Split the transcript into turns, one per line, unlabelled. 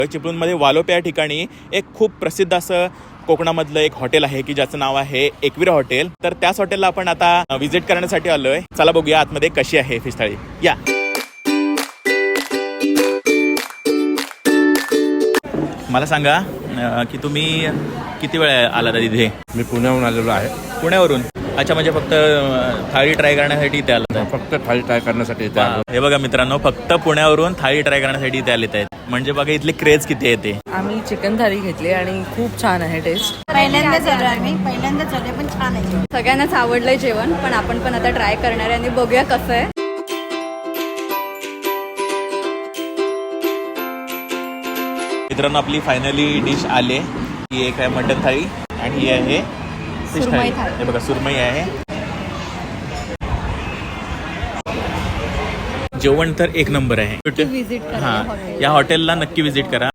चिपळूणमध्ये वालोपे या ठिकाणी एक खूप प्रसिद्ध असं कोकणामधलं एक हॉटेल आहे की ज्याचं नाव आहे एकविरा हॉटेल. तर त्याच हॉटेलला आपण आता व्हिजिट करण्यासाठी आलोय. चला बघूया आतमध्ये कशी आहे फिश थाळी. या मला सांगा की तुम्ही किती वेळ आला तिथे?
मी पुण्याहून आलेलो आहे.
पुण्यावरून? अच्छा, म्हणजे फक्त थाळी ट्राय करण्यासाठी इथे आलात आहे?
फक्त थाळी ट्राय करण्यासाठी इथे आलो.
हे बघा मित्रांनो, फक्त पुण्यावरून थाळी ट्राय करण्यासाठी इथे आलेत आहेत. म्हणजे बघा इथली क्रेज किती येते.
आम्ही चिकन थाळी घेतली आणि खूप छान आहे टेस्ट.
पहिल्यांदाच आले पण छान आहे.
सगळ्यांनाच आवडलंय जेवण, पण आपण पण आता ट्राय करणार आहे आणि बघूया कसं आहे.
मित्रांनो, आपली फायनली डिश आले. ही एक आहे मटन थाळी आणि ही आहे फिश
सुरमई
थाळी.
थाळी.
हे बघा सुरमई आहे. जेवण तर एक नंबर आहे.
विजिट करा
हां, या हॉटेलला नक्की व्हिजिट करा.